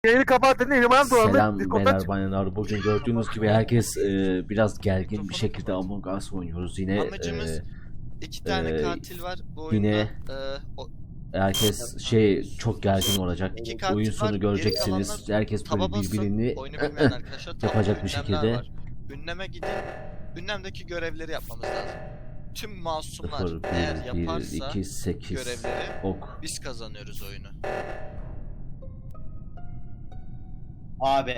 Yayını kapattın Emirhan dolandı. Selam Discord'dan beyler çık. bayanlar. Bugün gördüğünüz gibi herkes biraz gergin bir şekilde Among Us oynuyoruz. Yine Amacımız iki tane katil var bu oyunda. yine o, herkes çok gergin olacak. iki katil Oyun var, sonu geri göreceksiniz. kalanlar Herkes böyle taba basın. birbirini Oyunu bilmeyen arkadaşlar yapacak bir ünlemler şekilde. var. Ünleme gidin. Ünlemdeki görevleri yapmamız lazım. Tüm masumlar 0, eğer 1, yaparsa 2, 8 görevleri ok. biz kazanıyoruz oyunu. Abi.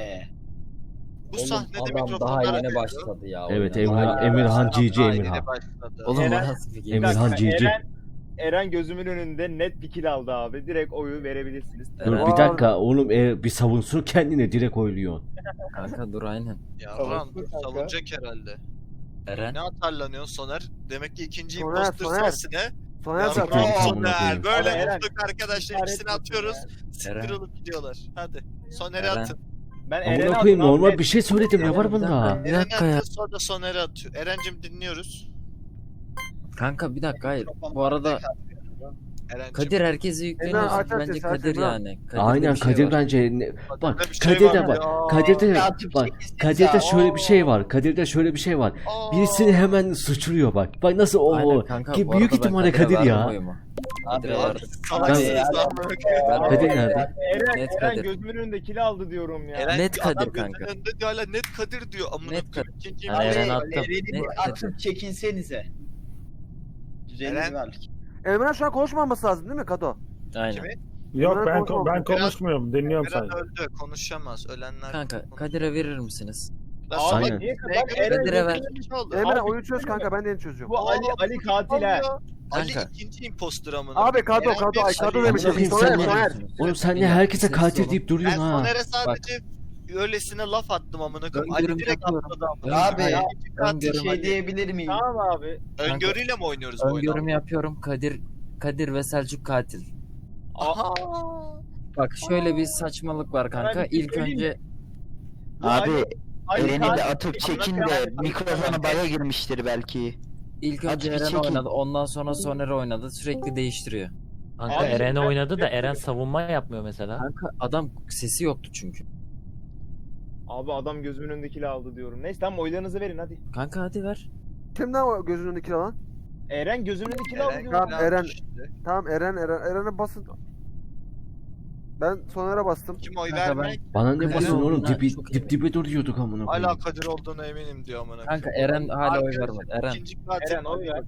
Bu Oğlum, sahnede adam mikrofonlar daha yeni açılıyor. başladı ya. Evet oyuna. Emirhan Adam GG daha yeni Emirhan. başladı. Oğlum Eren- nasıl fikir? Emirhan dakika, GG. Eren gözümün önünde net bir kill aldı abi. Direkt oyu verebilirsiniz. Dur Eren- bir dakika oğlum bir savunsun kendine direkt oyluyorsun. Kanka dur aynen. Yavrum Savunsun kanka. savunacak herhalde. Eren. Ne atarlanıyorsun Soner? Demek ki ikinci Soner, imposter Soner. sensin he? Soner Yavrum zaten. Tamam, amına Soner. koyayım. Böyle Abi Eren, mutluluk arkadaşlar idare ikisini etmesin atıyoruz. Eren. Siktir olup gidiyorlar. Hadi. Soner'i Eren. atın. Ben Amına Eren'e koyayım attım abi, normal net. bir şey söyledim ne var Bir dakika, bunda? Bir dakika ya. Eren'i sonra Soner'i atıyor. Eren'cim dinliyoruz. Kanka bir dakika hayır. Bu arada Eren'cim. Kadir herkesi yükleniyor. Emirhan, aç, Bence aç, Kadir Emirhan. yani. Kadir'de Aynen bir şey Kadir var. bence bak bir şey Kadir'de var bak ya. Kadir'de Ya, bak çekilsin Kadir'de sen. şöyle bir şey var. Kadir'de şöyle bir şey var. Aa. Birisini hemen suçluyor bak. Bak nasıl Aynen o kanka, ki bu büyük arada ben ihtimalle Kadir'e Kadir ya. verdim oyumu. Kadir'e Abi, verdim. Salaksınız Ya, lan. Kadir nerede? Net Eren Kadir. gözümün önünde kill aldı diyorum ya. Eren Net adam Kadir gözünün kanka. önünde diyor hala net Kadir diyor. Amına Net koyayım. Kadir. İkinci Yani imposter. Eren attım. Eren'i Net atıp çekinsenize. Düzenli Eren- var. Emirhan şu an konuşmaması lazım değil mi Kado? Aynen. Kimi? Yok Emirhan ben konuşmamış. konuşmuyorum. Dinliyorum Eren sadece. öldü. Konuşamaz. Ölenler. Kanka konuşamaz. Kadir'e verir misiniz? Lan Abi Aynen. salak, niye neye bak göre Eren Kadir'e ver. bir şey oldu? Emirhan Abi, oyunu çöz kanka ben de yeni çözüyorum. Bu Ali katil ha. Ali Kanka. ikinci imposter amına. Abi koyayım. Kado Eren Kado bir ay şey- Kado demiş. Amına koyayım, Soner sen ne Soner. Oğlum sen ne Bilmiyorum, herkese sessiz katil olun. deyip Ben duruyorsun ha. Soner'e sadece öylesine laf attım amına koyayım. Ali Öngörüm direkt yapıyorum. atladı amına. Abi koyayım. ya, İkinci katil öngörüm şey diyebilir miyim? Tamam abi. Öngörüyle mi oynuyoruz bu oyunu? Öngörümü yapıyorum. Kadir ve Selçuk katil. Aha. Bak şöyle bir saçmalık var kanka. Ben bir şey İlk söyleyeyim önce Abi Ali Eren'i katil- de atıp çekin de mikrofonu baya girmiştir belki. ilk Hadi önce bir Eren çekin. oynadı. Ondan sonra Soner oynadı. Sürekli değiştiriyor. Kanka Abi, Eren ben- oynadı da Eren savunma yapmıyor mesela. Kanka adam sesi yoktu çünkü. Abi adam gözümün önünde kill aldı diyorum. Neyse tamam oylarınızı verin hadi. Kanka hadi ver. Kimden o gözünün önündeki lan? Eren gözümün önünde kill aldı Eren diyorum. Tamam, Eren. Tamam Eren'e basın. Ben Soner'e bastım. Kim oy Kanka vermek? Bana ne Kadir basın oğlum olduğuna çok dip dibe duruyorduk amına koyayım. Hala Kadir olduğuna eminim diyor amına. Kanka koyayım. Eren hala oy Arkadaşlar, vermedi. Eren. İkinci katil. Eren oy ver.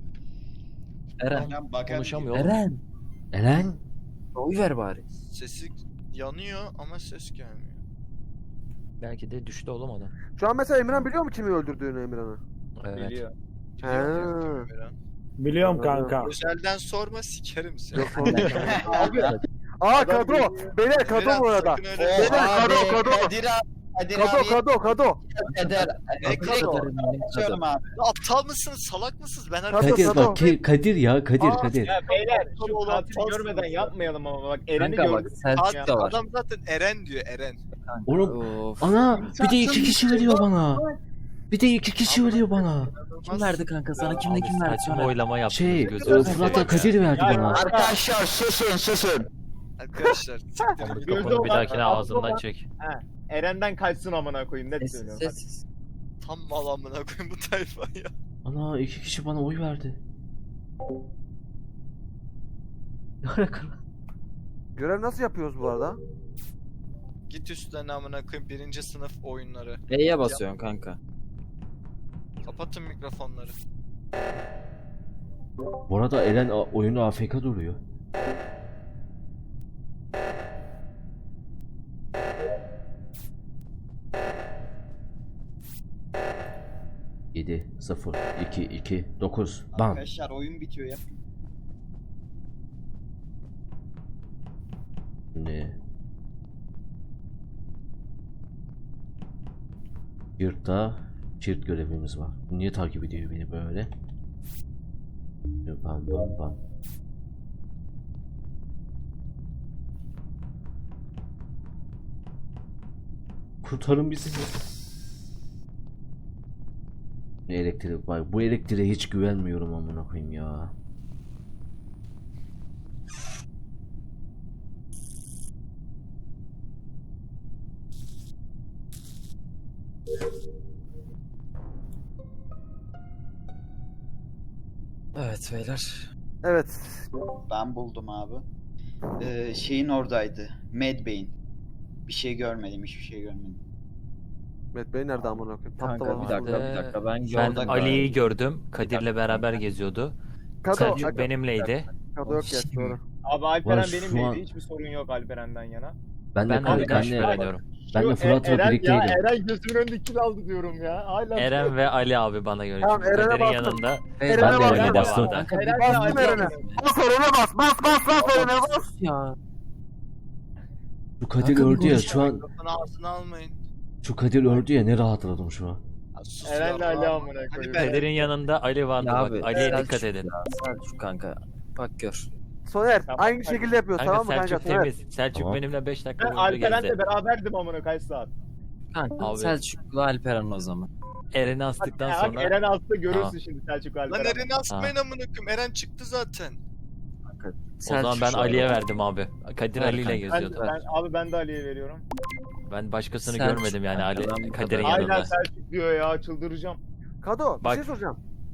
Eren. Konuşamıyor. Eren. Eren Oy ver bari. Sesi yanıyor ama ses gelmiyor. Belki de düştü oğlum adam. Şu an mesela Emirhan biliyor mu kimi öldürdüğünü Emirhan'ı? Evet. Biliyor. He. Eren. Biliyorum kanka. Özelden sorma sikerim seni. Yok sorun. Abi. Aa Kado. Beyler Kado Eren, bu arada. sakın öyle- Beyler Kado. Kadir abi. Kadir Kado abi. Kado. Kadir. Ne Kado? Açıyorum abi. Ya aptal mısınız? Salak mısınız? Ben Kado, Kadir Kado. bak Kadir ya Kadir Aa, Kadir. Ya beyler şu Kado olan katili falsınız görmeden ya. yapmayalım ama bak Eren'i Kanka bak gördük. Selçuk da var. Adam zaten Eren diyor Eren. Oğlum Of. ana bir de iki kişi veriyor bana. Bir de iki kişi veriyor bana. Kim verdi kanka sana? Kimle kim verdi? Saçma Söyle. oylama yaptınız Şey gözünüzü Fırat'la seveyim ya. Kadir verdi Ya, bana. Arkadaşlar susun. Arkadaşlar. siktirin. Mikrofonu bir dahakine olan- ağzından çek. Eren'den kaçsın amına koyayım net Sessiz söylüyorum. Hadi. sessiz. Tam mal amına koyayım bu tayfa ya. Ana iki kişi bana oy verdi. Ne alaka lan? Görev nasıl yapıyoruz bu arada? Git üstten amına koyayım birinci sınıf oyunları. E'ye basıyorsun kanka. Kapatın mikrofonları. Bu arada Eren oyunu AFK duruyor. Yedi, 0, 2, 2, 9, bam. Arkadaşlar oyun bitiyor ya. Şimdi yurtta çift görevimiz var. Bu niye takip ediyor beni böyle? Bam bam bam. Kurtarın bizi. Elektrik bak bu elektriğe hiç güvenmiyorum amına koyayım ya. Evet beyler. Evet. Ben buldum abi. Şeyin oradaydı. Mad Bey'in. Bir şey görmedim, hiçbir şey görmedim. Mehmet Bey nerede amına koyayım? Kanka Patladı bir dakika orada. bir dakika ben Ben gördüm. Ali'yi gördüm. Kadir'le beraber geziyordu. Kado, Selçuk benimleydi. Kado yok ya doğru. Abi Alperen şu benimleydi. an- Hiçbir sorun yok Alperen'den yana. Ben de Ben kanka, Ali'den ben de, şüpheleniyorum. ben de Fırat'la Eren birlikteydim. ya, Eren gözümün önünde kill aldı diyorum ya. Hala Eren ve Ali abi bana göre. Tamam, Çünkü Eren'e Kadir'in bastım. yanında. Eren'e Ben de bastım. Eren'e bastım. Kanka bir Eren Bastım Ali Eren'e. Bas Eren'e bas Eren'e bas. ya. Şu Kadir Kanka bir öldü ya konuş- şu an. Mikrofonu ağzına almayın. Şu Kadir öldü ya ne rahatladım şu an. Ya sus Eren'le ya. Ali amına Hadi koyayım. be. Kadir'in yanında Ali vardı Ya bak. abi, Ali'ye Selçuk dikkat edin. ya, Selçuk kanka. Bak gör. Soner Tamam, aynı hadi. şekilde yapıyoruz Kanka tamam mı kanka? Selçuk Soner. temiz. Selçuk Tamam. benimle 5 dakika Ben boyunca Alperen'le gezdi. beraberdim amına kaç saat. Kanka Abi. Selçuk'la Alperen o zaman. Eren'i astıktan Bak, sonra. Eren astı görürsün Tamam. şimdi Selçuk Lan Alperen. Eren'i asmayın amına koyayım. Eren çıktı zaten. Kanka, O zaman ben şu Ali'ye an- verdim abi. Kadir Ver Ali ile kanka. geziyordu. Abi ben de Ali'ye veriyorum. Ben başkasını Selçuk görmedim yani Ali kanka, ben bu Kadir'in kadar- yanında. Aynen Selçuk diyor ya çıldıracağım. Kado bir Bak. şey soracağım.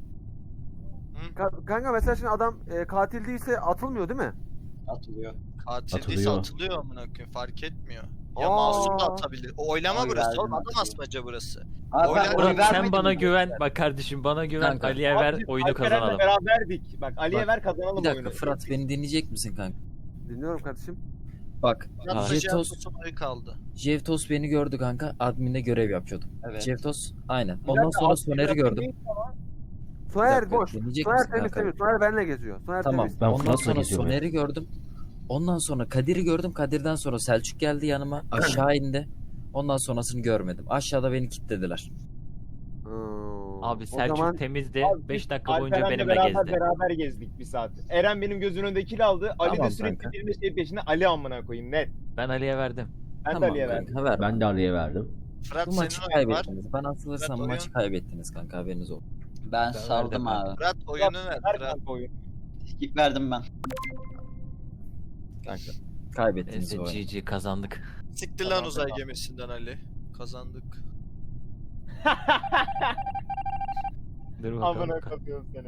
Hı? Kanka mesela şimdi adam katil değilse atılmıyor değil mi? Atılıyor. Katil değilse Atılıyor. atılıyor amına koyayım. Fark etmiyor. Ya Aa. masum da atabilir. O oylama Oy burası. verdim Oğlum adam atıyor. asmaca burası. Abi Oylar- ben Murat, oy sen vermedim bana mi? güven. Bak kardeşim bana güven. Kanka. Ali'ye Abi ver biz oyunu Alperen'le kazanalım. beraberdik. Bak Ali'ye Bak, ver kazanalım Bir dakika oyunu. Fırat beni dinleyecek misin kanka? Dinliyorum kardeşim. Bak Yalnız Jevtos, Jevtos'un oyu kaldı. Jevtos beni gördü kanka. Admin'de görev yapıyordum. Evet. Jevtos aynen. Bir Ondan dakika, sonra abi, Soner'i bir gördüm. dakika. Soner dakika, boş. dinleyecek Soner misin temiz kanka? temiz. Soner benimle geziyor. Soner Tamam. temiz. Ben Ondan Fırat'la sonra geziyorum ya. Soner'i gördüm. Ondan sonra Kadir'i gördüm. Kadir'den sonra Selçuk geldi yanıma. Aşağı indi. Ondan sonrasını görmedim. Aşağıda beni kilitlediler. Abi O Selçuk zaman temizdi. Abi, 5 dakika boyunca Alperen'le benimle beraber, gezdi. beraber gezdik bir saat. Eren benim gözümün önünde kill aldı. Ali Tamam de sürekli kanka. benim şey peşinde Ali amına koyayım net. Ben Ali'ye verdim. Ben de Tamam Ali'ye verdim. kanka ver. Ben de Ali'ye verdim. Fırat Bu maçı senin oyun var. kaybettiniz. Ben atılırsam Fırat bu oyun. maçı kaybettiniz kanka haberiniz olsun. Ben Ben saldım verdim abi. Fırat oyunu ver. Ver Fırat. kanka oyunu. Skip verdim ben. Kanka kaybettiniz Neyse bu oyunu. GG kazandık. Siktir lan uzay gemisinden Ali. Kazandık. Dur Amına bakalım. koyuyorum seni.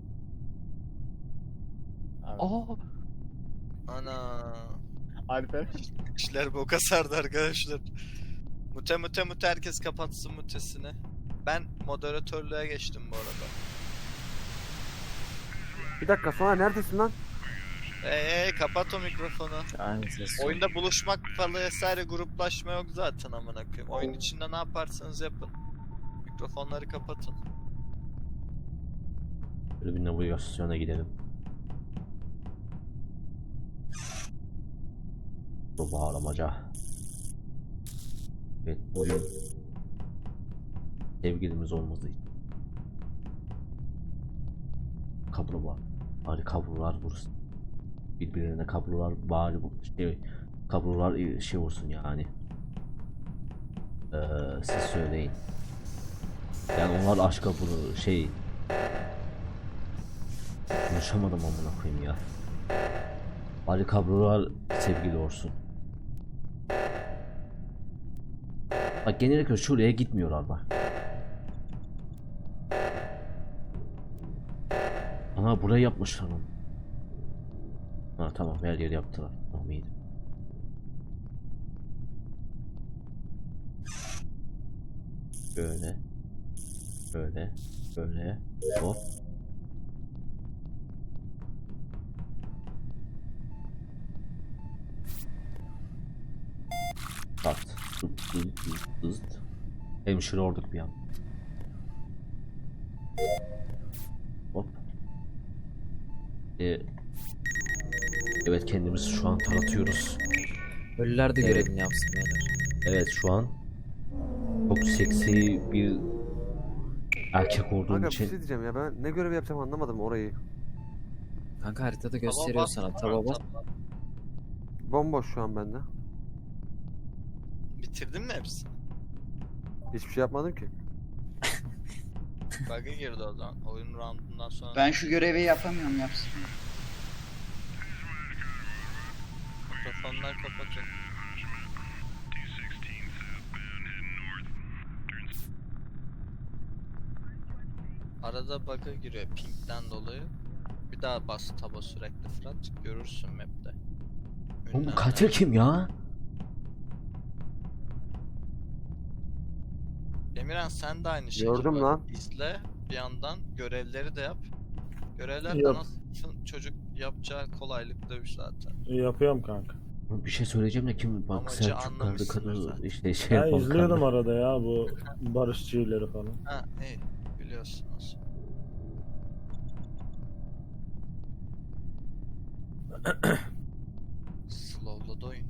Abi, Aa, Ana. Alper. İşler boka sardı arkadaşlar. Mute herkes kapatsın mutesini. Ben moderatörlüğe geçtim bu arada. bir dakika Soner neredesin lan? Kapat o mikrofonu. Aynen ses. Oyunda buluşmak falan vesaire gruplaşma yok zaten amına koyayım. Oyun içinde ne yaparsanız yapın. Mikrofonları kapatın. Böyle bir navigasyona gidelim. Bu bağlamaca. Evet oyun. Sevgilimiz olmadığı için. Kablo var. Bari kablolar vursun. Birbirine kablolar bari kablolar şey vursun yani. Siz söyleyin. Yani onlar aşka bunu şey konuşamadım amına koyayım ya. Bari kablolar sevgili olsun. Bak genellikle şuraya gitmiyorlar bak. Ana buraya yapmışlar onu. Ha tamam her yeri yaptılar. Tamam iyiydi. Böyle. Böyle. Böyle. Hop. Tat. Zıt. Hemşire olduk bir an. Hop. Evet kendimizi şu an taratıyoruz. Ölüler de Evet. görevini yapsın beyler. Evet şu an çok seksi bir erkek olduğum Kanka bir için şey diyeceğim ya ben ne görev yapacağım anlamadım orayı. Kanka haritada gösteriyor sana. Taba bas. Bomboş şu an bende. Bitirdin mi hepsini? Hiçbir şey yapmadım ki. Bug'a girdi o zaman. Oyun roundundan sonra. Ben şu görevi yapamıyorum yapsın. Mikrofonlar kapatın. arada bug'a giriyor ping'den dolayı. Bir daha bas taba sürekli Fırat. Görürsün map'te. Oğlum bu Ünlemler. katil kim ya? Emirhan sen de aynı şekilde Gördüm bak, lan. izle bir yandan görevleri de yap. Görevler de Yap. nasıl çocuk yapacağı kolaylıkta zaten. Yapıyorum kanka. Oğlum bir şey söyleyeceğim de kim bak Amacı Selçuk kardı anlamışsındır kadın zaten. işte şey Ben yapan izliyordum kardı. arada ya bu barışçıları falan. Ha iyi biliyorsunuz. Slowladı oyun.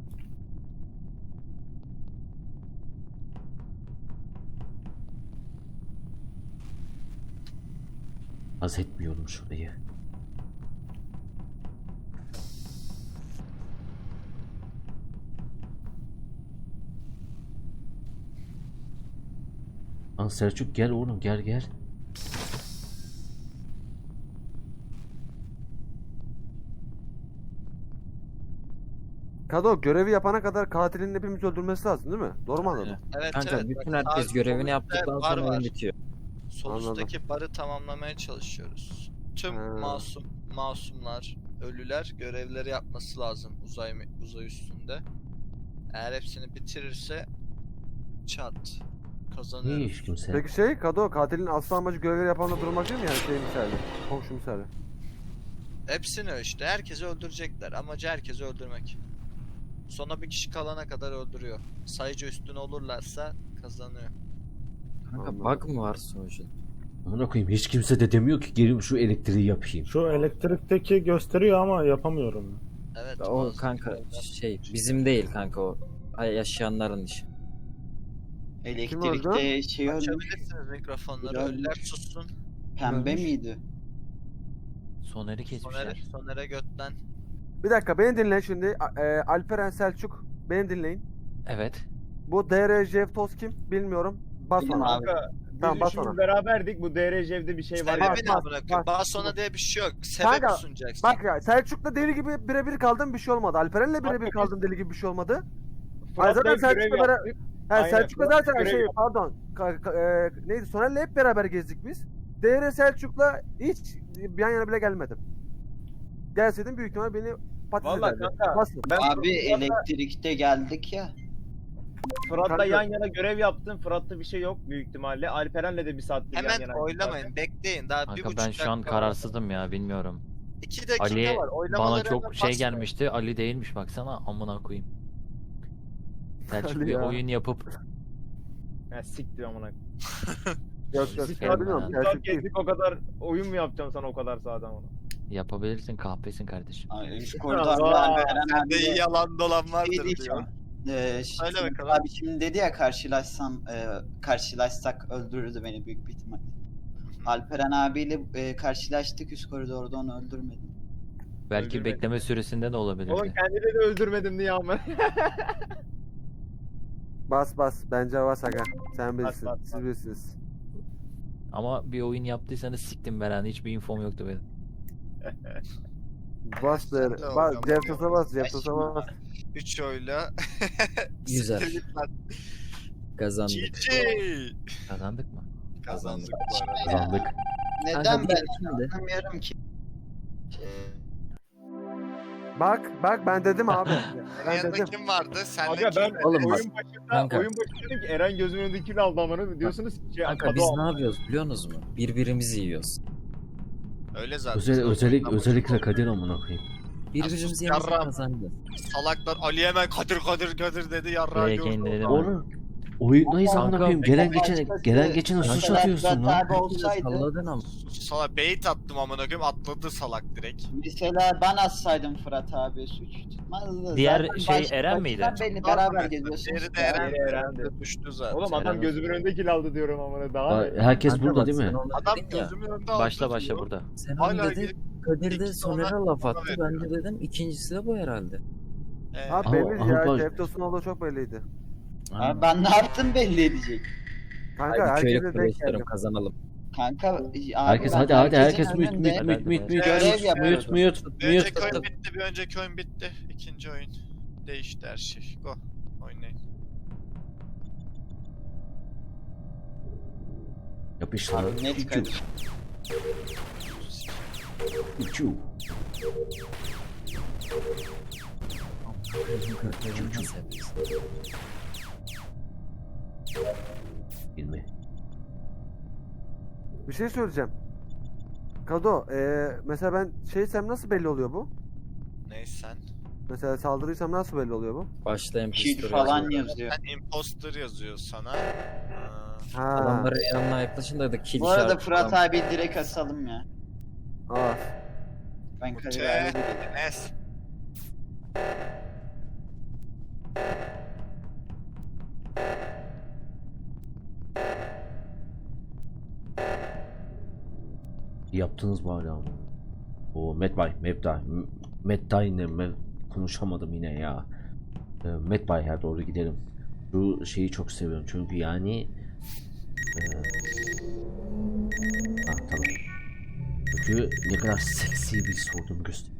Az etmiyorum şurayı. Lan Selçuk gel oğlum gel. Kado görevi yapana kadar katilin hepimizi öldürmesi lazım değil mi? Doğru mu anladım? Evet Kanka evet. bütün bak, herkes sağ görevini solunda yaptıktan bar sonra var. oyun bitiyor. Sol üstteki barı tamamlamaya çalışıyoruz. Tüm Ha. masumlar, ölüler görevleri yapması lazım uzay üstünde. Eğer hepsini bitirirse çat Niye kazanıyoruz. hiç kimse? Peki şey Kado katilin asıl amacı görevleri yapanla durmak değil mi yani şey misali? Komşu misali. Hepsini işte herkesi öldürecekler. Amacı herkesi öldürmek. Sona bir kişi kalana kadar öldürüyor. Sayıcı üstün olurlarsa kazanıyor. Kanka Anladım. bug mı var sonuçta? Amına koyayım hiç kimse de demiyor ki gelin şu elektriği yapayım. Şu elektrikteki gösteriyor ama yapamıyorum. Evet. O bazı kanka görevler- şey bizim değil kanka o. Yaşayanların işi. Elektrikte şey ölmüş. Açabilirsiniz mikrofonları. Biraz- Ölüler sussun. Pembe Ölmüş. miydi? Soner'i kesmişler. Soner'e götten. Bir dakika beni dinleyin şimdi. Alperen Selçuk beni dinleyin. Evet. Bu DRJ Toz kim bilmiyorum. Bas Benim bana. abi. Kanka Tamam, biz bas üçümüz bana. beraberdik. Bu DRJ'de bir şey var ya. Sebebi ne bak, amına koyayım? bak. Daha sonra diye bir şey yok. Sebep Kanka, sunacaksın. Bak ya Selçuk'la deli gibi birebir kaldım bir şey olmadı. Alperen'le birebir Bak, kaldım deli gibi bir şey olmadı. Fırat'la zaten hep görev Selçuk'la beraber- yaptık. He Aynen, Selçuk'la Fırat zaten görev şey yaptı. pardon. Neydi Soner'le hep beraber gezdik biz. DR Selçuk'la hiç yan yana bile gelmedim. Gelseydim büyük ihtimal beni patates Vallahi ederdi. kanka, Basın. Ben Abi Fırat'la- elektrikte geldik ya. Fırat'la Kanka. yan yana görev yaptım. Fırat'ta bir şey yok büyük ihtimalle. Alperen'le de bir saattir yan Hemen yana. oylamayın. Bekleyin. Daha bir Kanka buçuk ben dakika şu an var. kararsızım ya bilmiyorum. 2 dakika Ali var. bana Oylamaları çok hemen şey basmayın. gelmişti. Ali değilmiş baksana amına koyayım. Selçuk Ali bir ya. oyun yapıp Ya siktir amına. Yok yok Sikerim bilmiyorum. ben. Selçuk değil. Gezdik o kadar oyun mu yapacağım sana o kadar sağdan ona? yapabilirsin kahpesin kardeşim. Ay, Üst Aa, koridorda Eren Sende iyi abi yalan dolan şey vardır diyeceğim. diyor. Söyle Söyle bakalım. Abi şimdi dedi ya karşılaşsak öldürürdü beni büyük bir ihtimal. Alperen abiyle karşılaştık üst koridorda onu öldürmedim. Belki Öldürmedim. bekleme süresinde de olabilirdi. Oğlum kendini de öldürmedim diye ama. Bas bence bas aga. Sen Bas, bilirsin. bas, Siz bas. bilirsiniz. Ama bir oyun yaptıysanız siktim ben hani hiçbir infom yoktu benim. Bas der. de Bas. oynama. Ceftos'a bas. Ceftos'a bas. 3 oyla. Güzel. Siktir git lan. Kazandık. GG. Kazandık mı? Kazandık bu arada. Kazandık. Neden Kanka, ben şimdi. anlamıyorum ki. Bak ben dedim abi. Ben Yanında dedim. kim vardı? Sen Aga de ben kim? Oğlum bak, oyun başında kanka. dedim ki Eren gözümün önünde kill aldı amına diyorsunuz ki Kanka Kado biz aldı. ne yapıyoruz biliyor musunuz mu? Birbirimizi yiyoruz. Öyle zaten. Özellikle Kadir amına koyayım. Birbirimizi sus, yemesi yarram. kazandı. Salaklar Ali hemen Kadir dedi yarrağı Buraya gördü. kendileri Oğlum oyundayız amına Kanka, koyayım. Gelen geçene suç Kanka, atıyorsun Fırat lan. abi olsaydı Salladın ama. Salak bait attım amına koyayım atladı salak direkt. mesela ben atsaydım Fırat abi suç tutmazdı. Diğer Zaten şey başta- Eren miydi? baştan belli beraber Diğeri geziyorsunuz. de Eren. Diğeri Eren'di. Düştü zaten. Oğlum adam Eren gözümün önünde kill aldı diyorum amına daha. Bak, herkes Kanka burada bak, değil mi? sen onu Adam dedin ya. gözümün önünde Başla aldı başla diyor. burada. Sen Hala onu dedin. gidip Kadir de İkisi Soner'e ona- laf ona attı. Ben veriyor. de dedim ikincisi de bu herhalde. Abi Ama- belli ama ya. bak- Ceftos'un olduğu çok belliydi. Abi ben ne yaptım belli edecek. Kanka Hadi köylü herkese denk kuruluşlarım geldim. kazanalım. Kanka abi Herkes ben hadi herkesin herkes mute önünde görev yapıyorum. Bir önceki mute. oyun bitti, bir önceki oyun bitti. İkinci oyun. Değişti her şey. Go. Oynayın. Yapıştır. Abi net Kadir. Uçu. Nasıl yapıyorsun? Bilme. Bir şey söyleyeceğim. Kado, mesela ben şeysem nasıl belli oluyor bu? Neysen. Mesela saldırıysam nasıl belli oluyor bu? Başlayan Kid pistol falan yazıyor. yazıyor. Sen imposter yazıyor sana. Ha. Adamların yanına yaklaşın da kill Bu arada işareti Fırat falan. abi direkt asalım ya. Aa. Ben Kadir Mute. abi dedim. Enes. Yaptınız mı hala ama? O Medbay'le konuşamadım yine ya. Medbay'a doğru gidelim. Şu şeyi çok seviyorum çünkü yani tamam. Çünkü ne kadar seksi bir sorduğumu göster.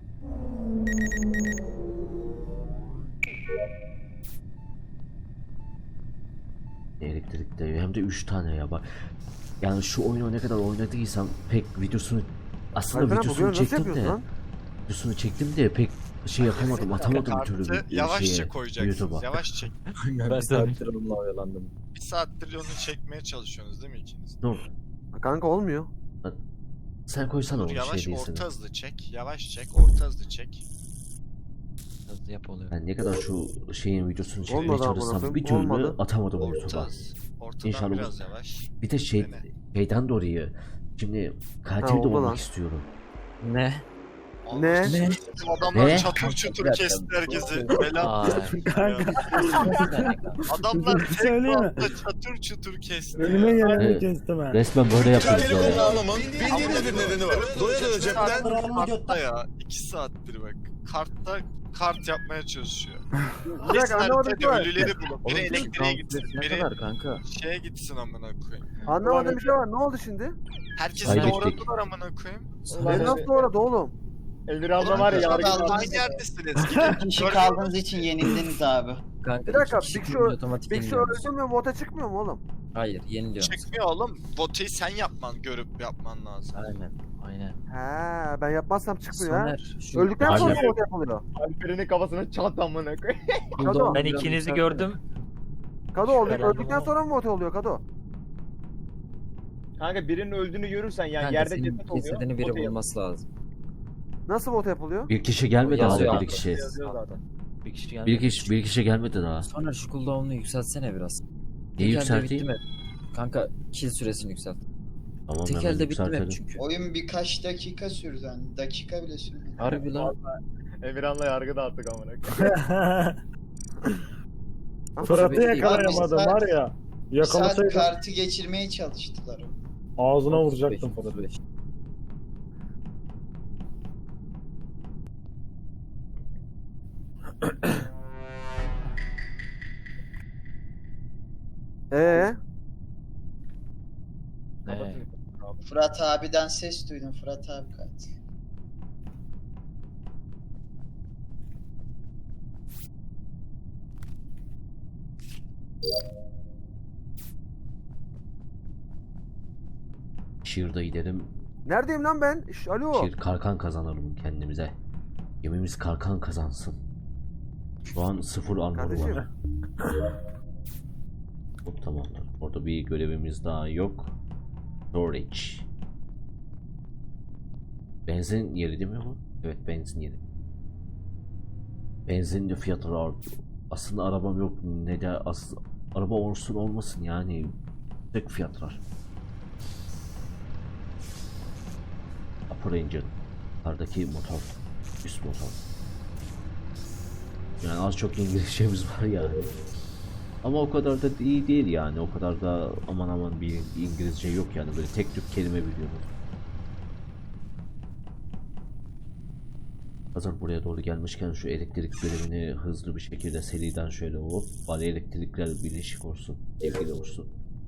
Elektrikte hem de 3 tane ya bak. Yani şu oyunu ne kadar oynadıysam pek videosunu aslında Alperen, bu videosunu görevi nasıl çektim yapıyorsun de lan? videosunu çektim de pek şey yapamadım, atamadım bir türlü Kartı bir yavaşça şeye, koyacaksınız. YouTube'a. Yavaş çek. Ben saattir onunla oyalandım. Bir saattir onu çekmeye çalışıyorsunuz değil mi ikiniz? Dur, Kanka olmuyor. sen koysana Dur onu yavaş şey değilsin. orta hızlı çek. Yavaş çek. Orta hızlı çek. Hızlı yap oluyor. Ben ne kadar şu şeyin videosunu çekmeye Olmadı amına çalışsam koyayım, bir türlü olmadı. atamadım Orta YouTube'a. hız. Ortadan İnşallah biraz yavaş. Bir de Dene. şeyden dolayı şimdi katil de oldu olmak lan. istiyorum. Ne? Ne? Ne? Adamlar Ne? çatır çutur Bir dakika. kesti herkesi. Bela. Ay. Kanka Adamlar Bir tek söyleyeyim mi? anda çatır çutur kesti. önüme ya. geleni Evet. kestim ha. Resmen böyle yapıyoruz Telefonunu ya. almamın bildiğiniz bir nedeni var. Doya doya cepten Kartta ya. 2 saattir bak. Kartta kart yapmaya çalışıyor. Bir dakika anlamadım ki var. Ölüleri bulup biri elektriğe gitsin, Ne biri kadar kanka? şeye gitsin amına koyayım. Anlamadığım bir şey var. Ne oldu şimdi? Herkesi Kaybettik. doğradılar amına koyayım. Ulan Beni nasıl doğradı oğlum? Emir abla var ya Kanka, yargı adam- Aynı yerdesiniz. İki kişi kaldığınız için yenildiniz abi. Kanka Bir dakika, iki kişi Big Show- kılınca otomatik Big Show yeniliyoruz. öldürmüyor mu? Vota çıkmıyor mu oğlum? Hayır yeniliyoruz. Çıkmıyor oğlum. Voteyi sen görüp yapman lazım. Aynen. Aynen. He, ben yapmazsam çıkmıyor ha. Soner. Şu Öldükten sonra Aynen. vot yapılıyor. Alperen'in kafasına çat amına koy. Kado. Ben ikinizi gördüm. Kado oldu. Şüphelendim Öldükten ama. sonra mı vot oluyor Kado? Kanka birinin öldüğünü görürsen yani Kanka yerde senin ceset oluyor. cesedini biri o değil. bulması lazım. Nasıl vot yapılıyor? Bir kişi gelmedi Yazıyor abi abi. bir kişi. Yazıyor zaten. Bir kişi geldi. Bir kişi gelmedi daha. Soner şu cooldown'unu yükseltsene biraz. Neyi Tek elde yükselteyim? bitti mi? Kanka kill süresini yükselt. Tamam Tek hemen elde bitti mi yükseltelim. çünkü? Oyun birkaç dakika sürdü yani. Dakika bile sürmedi. Harbi lan. Emirhan'la yargı dağıttık amına koy. Fırat'ı Abi, yakalayamadım abi, var ya. Bir saat Yakalasaydım kartı geçirmeye çalıştılar. ağzına vuracaktım 35, Fırat'ı. 35. Ee, Ne? Fırat abiden ses duydum. Fırat abi katil. Şiirde gidelim. neredeyim lan ben? Alo. Şiir kalkan kazanalım kendimize. Gemimiz kalkan kazansın. Şu an 0 armor Kardeşim. var. Hop tamamdır. Orada bir görevimiz daha yok. Storage. Benzin yeri değil mi bu? Evet benzin yeri. Benzin de fiyatları artıyor. Aslında arabam yok. Ne de araba olsun olmasın yani. Tek fiyatlar. Upper engine. Yukarıdaki motor. Üst motor. Yani az çok İngilizcemiz var yani. Ama o kadar da iyi değil yani. O kadar da aman aman bir İngilizce yok yani. Böyle tek tük kelime biliyorum. Hazır buraya doğru gelmişken şu elektrik bölümünü hızlı bir şekilde seriden şöyle hop bari elektrikler birleşik olsun. Sevgili olsun.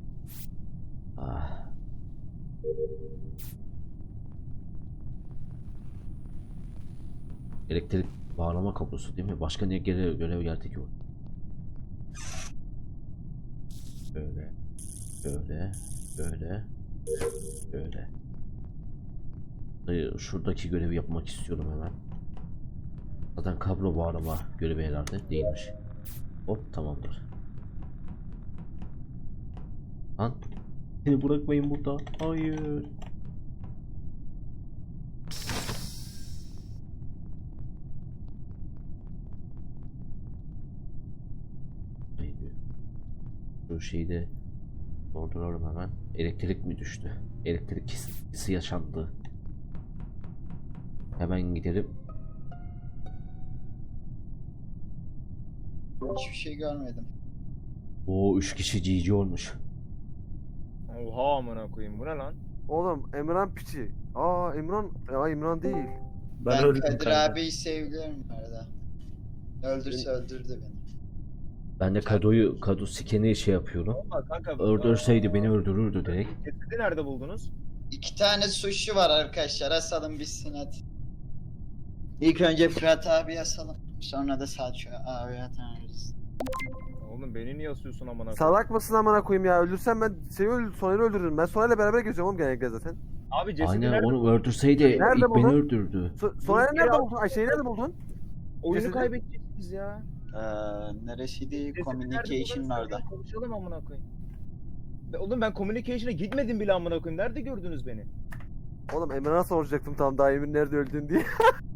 Ah. Elektrik bağlama kablosu değil mi? Başka ne görev geldi ki o? Böyle. Böyle. Böyle. Böyle. Şuradaki görevi yapmak istiyorum hemen. Zaten kablo bağlama görevi herhalde değilmiş. Hop tamamdır. Lan beni bırakmayın burada. Hayır. Şu şeyi de dolduralım hemen. Elektrik mi düştü? Elektrik kesintisi yaşandı. Hemen gidelim. Hiçbir şey görmedim. O 3 kişi GG olmuş. Oha amına koyayım bu ne lan? Oğlum Emran piçi. İmran değil. Ben öldüm Kadir kanka. abiyi seviyorum arada. Öldürse öldürdü beni. Ben de Kado sikeni şey yapıyorum. Ama kanka Öldürseydi beni öldürürdü direkt. cesedi nerede buldunuz? 2 tane suçlu var arkadaşlar. Asalım bitsin hadi. İlk önce Fırat abi asalım. Sonra da Selçuk abi atarız. Oğlum beni niye asıyorsun amına koyayım? Salak mısın amına koyayım ya? Öldürsem ben Soner'i öldürürüm. Ben Soner'le beraber geziyorum oğlum genellikle zaten. Abi cesedi Aynen nerede? onu öldürseydi Nerede ilk beni buldun? öldürdü. Soner'i Bir nerede kere- buldun? Şeyi nerede buldun? Oyunu cesedi- kaybedeceksiniz ya. Neresiydi? Cesedi nerede Communication buldunuz? orada. Konuşalım amına koyayım. Oğlum ben communication'a gitmedim bile amına koyayım. Nerede gördünüz beni? Oğlum Emran'a soracaktım tam daha Emir nerede öldün diye.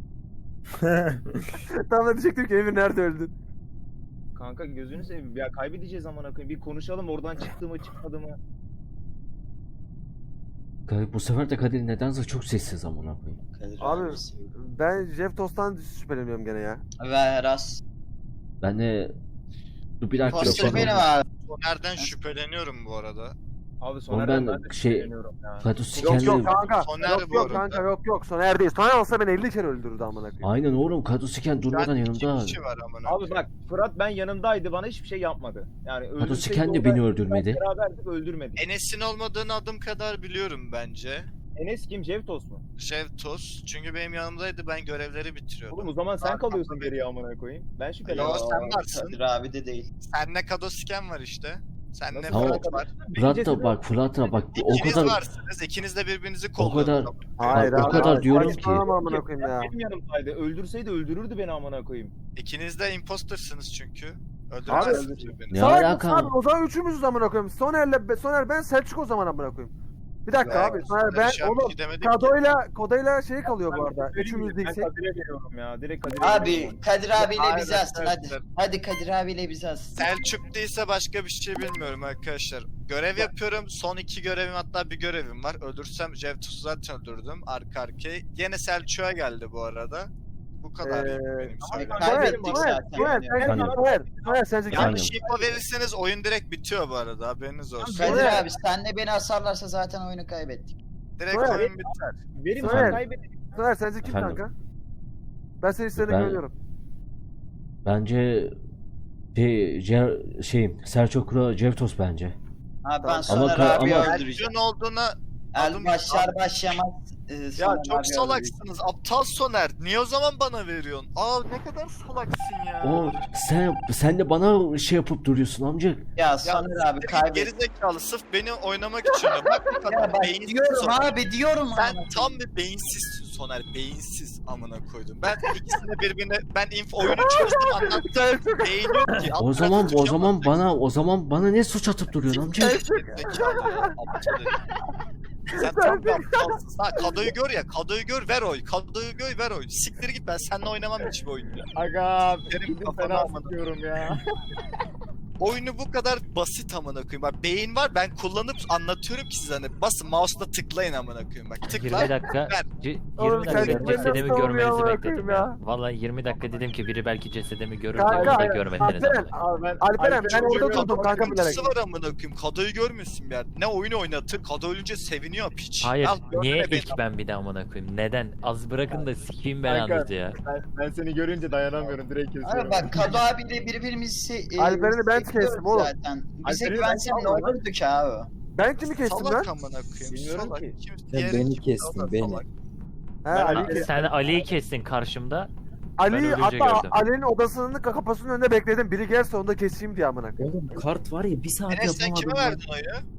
Tam da diyecektim ki Emir nerede öldün? Kanka gözünü seveyim. Ya kaybedeceğiz amına koyayım. Bir konuşalım oradan çıktı mı çıkmadı mı? Bu sefer de Kadir nedense çok sessiz amına koyayım. Kadir Abi abi seviyorum. ben Jeff Tost'tan şüpheleniyorum gene ya. Ve Eras. Ben de dur bir dakika Poster yapalım. benim abi. Soner'den şüpheleniyorum bu arada. Abi Oğlum Soner'den ben ben de şey- şüpheleniyorum ya. Kado Yok sikenli. yok kanka. Soner Yok bu yok arada. kanka yok. Soner değil. Soner olsa beni 50 kere öldürürdü amına koyayım. Aynen oğlum Kado siken durmadan Yani iki yanımda. kişi var amına Abi koyayım. bak Fırat ben yanımdaydı bana hiçbir şey yapmadı. Yani Kado öldürseydi siken de orada beni öldürmedi. beraberdik öldürmedi. Enes'in olmadığını adım kadar biliyorum bence. Enes kim? Jevtos mu? Jevtos. Çünkü benim yanımdaydı, ben görevleri bitiriyordum. Oğlum o zaman sen Arkamda kalıyorsun bir- geriye amına koyayım. Ben Yo, şüpheleniyorum. sen varsın. Kadir abi de değil. Senle Kadosken var işte. Senle Nasıl Tamam. Fırat var. Fırat da bak Fırat da bak o İkiniz kadar varsınız. İkiniz de birbirinizi o kolluyorsunuz. kadar Hayır Bak, o abi, kadar hayır. diyorum ki- Saçmalama amına koyayım ya. Benim yanımdaydı. Öldürseydi öldürürdü beni amına koyayım. İkiniz de impostersınız çünkü. Abi, Öldürmezsiniz birbirini. Ne Salak alaka? mısın abi? O zaman üçümüzüz amına koyayım. Soner ben Selçuk o zaman amına koyayım. Bir dakika abi. Soner ben Şu an bir oğlum şey demedik ki. Kodoyla şey kalıyor bu arada. Ben Üçümüz Ben değilsek. Kadir'e veriyorum ya. Direkt Kadir'e Abi veriyorum. Kadir abiyle Hayır, bizi asın hadi. arkadaşlar. Hadi Kadir abiyle bizi asın. Selçuk değilse başka bir şey bilmiyorum arkadaşlar. Görev yapıyorum. Son 2 görevim, hatta bir görevim var. Öldürsem Jevtus'u zaten öldürdüm. Arka arkaya. Yine Selçuk'a geldi bu arada. Bu kadar benim söyleyeceğim. Kaybettik zaten. Soner sence kim? Yanlış info verirseniz oyun direkt bitiyor bu arada, haberiniz olsun. Kadir abi senle beni asarlarsa zaten oyunu kaybettik. Direkt Soner- oyun biter. Verim Soner. sen kaybettin. Soner sence kim Efendim? kanka? Ben senin istediğine Ben- güveniyorum. bence Selçuk'la Jevtos bence. Abi ben Ama Soner ama- abi ama- öldüreceğim. Selçuk'un olduğuna El başlar başlamaz. ya Soner çok abi salaksınız. Aptal Soner. Niye o zaman bana veriyorsun? Aa ne kadar salaksın ya. O sen de bana şey yapıp duruyorsun amcık. Ya Soner abi kaybettik. Gerizekalı sırf beni oynamak için de. Bak bu Ya kadar bak beyinsiz diyorum Soner. abi diyorum Sen abi. tam bir beyinsizsin Soner. Beyinsiz amına koydum. Ben ikisini birbirine oyunu çözdüm anlattım. Beyin yok ki. O zaman bana ne suç atıp duruyorsun amcık? Gerizekalı ya, aptal herif. Sen tam bir aptalsın. Ha Kado'yu gör ya. Kado'yu gör ver oy. Kado'yu gör ver oy. Siktir git, ben seninle oynamam hiçbir oyun ya. Aga Benim benim kafana fena amına. sıkıyorum ya. Oyunu bu kadar basit amına koyayım. Bak beyin var, ben kullanıp anlatıyorum ki size, hani basın mouse'la tıklayın amına koyayım. Bak 20 tıkla. dakika, ver. 20 Oğlum, dakika sen beni cesedimi nasıl görmenizi amına bekledim koyayım ya. ya? Vallahi 20 dakika dedim ki biri belki cesedimi görür Kanka, de onu da görmediniz. Alperen, Abi Alperen ben orada görüyorum. durdum kanka bilerek. Sıkıntısı var amına koyayım. Kado'yu görmüyorsun bir yerde. Ne oyun oynatır, Kado ölünce seviniyor piç. Hayır, Al, niye görme beni. ilk ben bir de amına koyayım? Neden? Az bırakın da sikeyim belanızı ya. Ben seni görünce dayanamıyorum direkt kesiyorum. Abi bak Kadı abiyle birbirimizi Alperen'i ben seviyoruz kestim oğlum. zaten. Bize Alperen'i güvensen ben ne saldım lan. olurdu ki abi? Ben kimi kestim lan? Salak amına koyayım. Bilmiyorum Salak. ki. Kim, Sen diğeri beni kim? kestin, O da beni. salak. He, Ali, Sen Ali'yi kestin karşımda. Ben Ali ölünce hatta gördüm. Ali'nin odasının kapısının önünde bekledim. Biri gelse onu da keseyim diye amına koyayım. Oğlum kart var ya bir saat Enes sen yapamadım. kime lan. verdin oyu?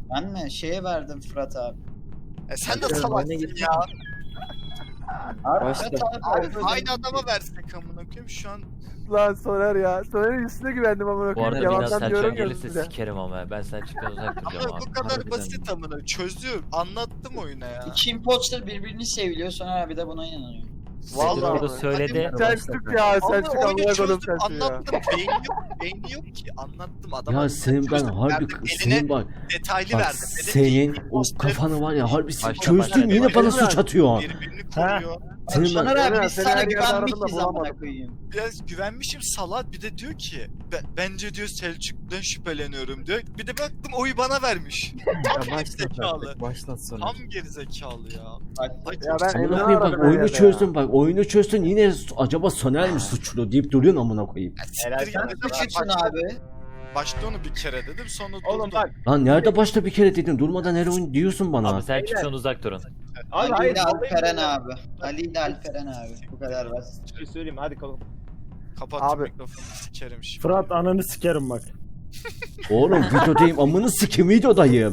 Ben mi? Şeye verdim Fırat abi. Sen de Hadi salaksın oyuna git. ya. Başla. Fırat abi. Abi aynı adama versek amına koyayım şu an. Lan Soner ya. Soner'in üstüne güvendim amına Bu arada koyayım. biraz Yalandan diyorum Selçuk'a ya gelirse size. sikerim ama ben Selçuk'tan uzak duracağım Ama abi. bu kadar harbiden basit amına. Çözdüm. Anlattım oyuna ya. İki imposter birbirini seviliyor sonra abi de buna inanıyor. Vallahi Orada abi. söyledi. Selçuk ya. Ama Selçuk oyunu amına koydum çözdüm. Selçuk'u ya. Anlattım. Beyni yok ki. Anlattım. Adama Ya senin ben çözdüm. harbi Verdim, senin eline bak detaylı bak verdim. Dedim ki, senin o imposter kafanı var ya harbi Başla, çözdün başla. yine bana suç atıyorsun. birbirini koruyor. Senin Soner ben abi biz Seni sana her yerde aradım da güvenmişiz amına bulamadım. koyayım. Biraz güvenmişim salak bir de diyor ki bence diyor Selçuk'tan şüpheleniyorum diyor. Bir de baktım oyu bana vermiş. Tam gerizekalı. Başlat sonra. Tam gerizekalı ya. Bak, Ay, Ya ben amına Emre'ni koyayım aradım bak her oyunu yerde çözdün ya. bak oyunu çözdün yine acaba Soner mi suçlu deyip duruyorsun amına koyayım. Helal Siktir sana. git. Sen suçlusun abi. Başta onu bir kere dedim sonra Oğlum durdum. bak. Lan nerede başta bir kere dedin durmadan her oyun diyorsun bana. Abi Selçuk'tan uzak durun. Abi Ali hayır. ile Alperen vallahi- abi. Ali ile Alperen abi. Bu kadar basit. Şey söyleyeyim hadi kalk. Kapat Abi. mikrofonu sikerim şimdi. Fırat ananı sikerim bak. Oğlum videodayım amını sikim videodayım.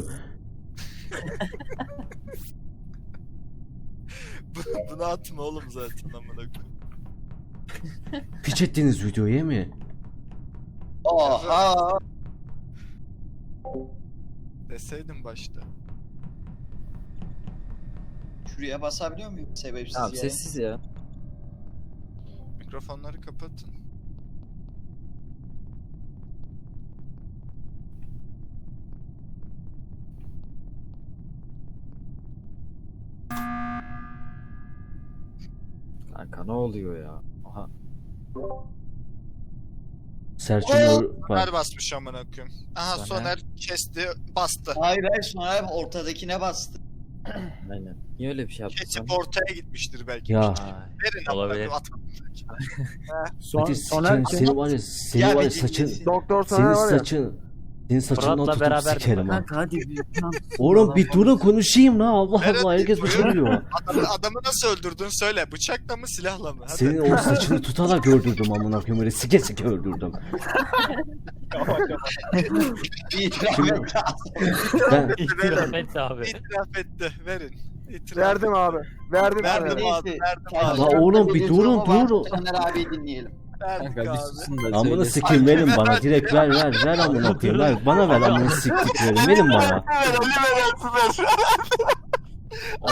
Bunu atma oğlum zaten amına koyayım. Piç ettiniz videoyu mi? Oha. Deseydin başta. Şuraya basabiliyor muyum sebepsiz Tamam yere? sessiz ya. Mikrofonları kapatın. Kanka ne oluyor ya? Aha. Selçuk'un bak. Soner basmış amına koyayım. Aha Soner. Soner kesti bastı. Hayır hayır sonra abi ortadakine bastı. Aynen. Niye öyle bir şey yaptın sen? Kesip ortaya gitmiştir belki. Ya Ay. Verin amına Olabilir. koyayım atma. hadi Soner sikerim seni var ya seni Ya var bir ya saçın dinlesin. Doktor Soner senin var ya. senin saçından Fırat'la tutup beraber sikerim ha. Kanka hadi bir plan. Oğlum bir durun konuşayım la Allah Evet, Allah herkes buyur. bıçakıyor. Adamı nasıl öldürdün söyle. Bıçakla mı silahla mı? Hadi. Senin o saçını tutarak öldürdüm amına koyayım öyle sike sike öldürdüm. İtiraf Şimdi- et. Ben İtiraf et abi. İtiraf etti. Verin. İtiraf Verdim abi. Verdim Verdim Soner'e. abi. Neyse. Verdim abi. La oğlum bir durun, durun. Soner abiyi dinleyelim. Verdik Kanka bir abi. susun da amını söylesin. sikeyim verin bana direkt ver amına koyayım ver bana ver amını siktiklerim verin bana. Ver Ali ver.